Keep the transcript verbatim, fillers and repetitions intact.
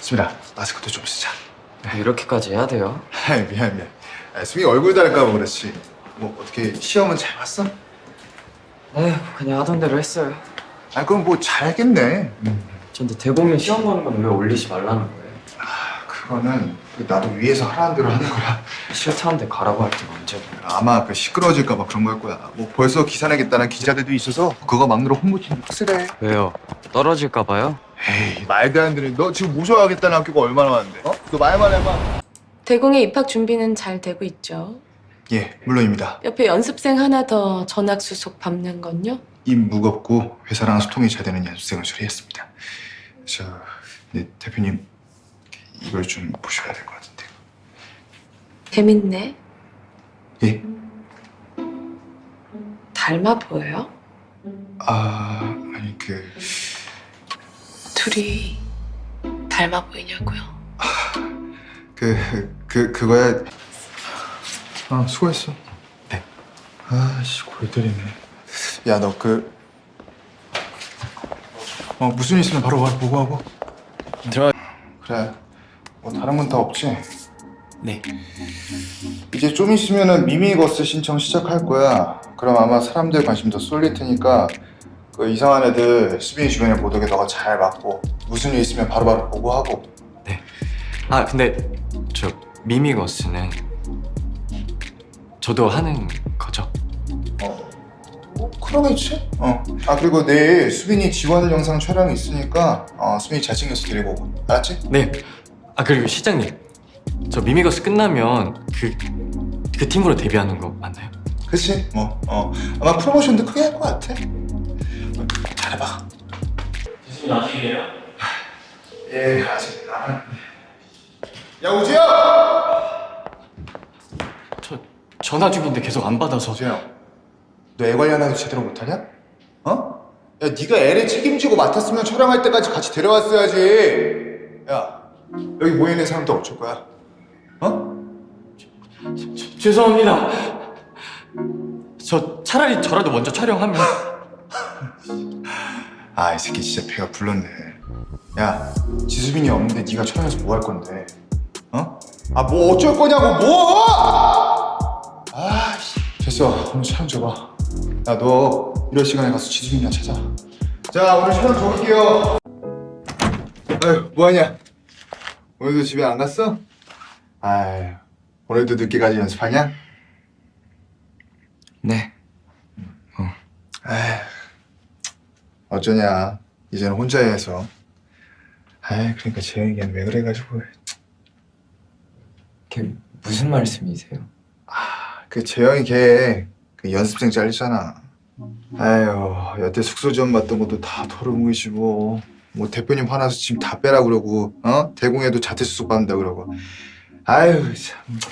수민아, 마스크도 좀 쓰자. 이렇게까지 해야 돼요? 미안 미안. 아, 수민이 얼굴 다를까 봐 그렇지. 뭐 어떻게 시험은 잘 봤어? 에휴, 그냥 하던 대로 했어요. 아 그럼 뭐 잘했겠네. 근데 대공연 시험 보는 건 왜 올리지 말라는 거예요? 아 그거는 나도 위에서 하라는 대로 하는 거야. 싫다는데 가라고 할 때가 언제고. 아마 그 시끄러워질까 봐 그런 걸 거야. 뭐 벌써 기사 내겠다는 기자들도 있어서 그거 막느라 홍보팀 확실해. 왜요? 떨어질까 봐요? 에이 말도 안 되는. 너 지금 모셔가겠다는 학교가 얼마나 많은데? 어? 너 말만 해봐. 대공의 입학 준비는 잘 되고 있죠. 예, 물론입니다. 옆에 연습생 하나 더 전학 수속 밟는 건요? 입 무겁고 회사랑 소통이 잘 되는 연습생을 처리했습니다. 저, 네, 대표님 이걸 좀 보셔야 될 것 같은데. 재밌네. 예? 닮아 보여요? 아, 아니 그 둘이 닮아 보이냐고요? 그, 그, 그거야. 아, 수고했어. 네. 아씨, 골 때리네. 야, 너 그, 어, 무슨 일 있으면 바로 와, 보고하고. 들어. 그래. 뭐 다른 건 다 없지? 네. 이제 좀 있으면은 미미거스 신청 시작할 거야. 그럼 아마 사람들 관심 더 쏠릴 테니까 그 이상한 애들 수빈이 주변에 못 오게 너가 잘 막고 무슨 일 있으면 바로바로 보고하고. 네. 아 근데 저 미미거스는 저도 하는 거죠? 어, 뭐 그러겠지? 어. 아 그리고 내일 수빈이 지원 영상 촬영이 있으니까 어, 수빈이 잘생겨서 데리고 오고. 알았지? 네. 아 그리고 시장님, 저 미미거스 끝나면 그, 그 팀으로 데뷔하는 거 맞나요? 그치? 뭐 어. 아마 프로모션도 크게 할 것 같아. 어, 잘해봐. 지수님 아직이에요? 예, 아직 안. 야 우지야! 저 전화 중인데 계속 안 받아서. 우지야, 너 애 관리하나도 제대로 못하냐? 어? 야 네가 애를 책임지고 맡았으면 촬영할 때까지 같이 데려왔어야지. 야 여기 모여있는 사람들 어쩔 거야? 어? 저, 죄송합니다. 저 차라리 저라도 먼저 촬영하면. 아 이 새끼 진짜 배가 불렀네. 야 지수빈이 없는데 네가 촬영해서 뭐 할 건데? 어? 아 뭐 어쩔 거냐고 뭐! 아씨 됐어, 오늘 촬영 줘봐. 야 너 이럴 시간에 가서 지수빈이나 찾아. 자 오늘 촬영 줘볼게요. 아유 뭐하냐? 오늘도 집에 안 갔어? 아유 오늘도 늦게까지 연습하냐? 네. 아휴, 어쩌냐. 이제는 혼자 해서. 아이, 그러니까 재영이는 왜 그래가지고. 그게 무슨 말씀이세요? 그 재영이 걔, 그 연습생 잘리잖아. 아유, 여태 숙소 지원 받던 것도 다 털어뭉이지 뭐. 뭐 대표님 화나서 지금 다 빼라 그러고, 어? 대공에도 자퇴 수속 받는다 그러고. 아유, 참.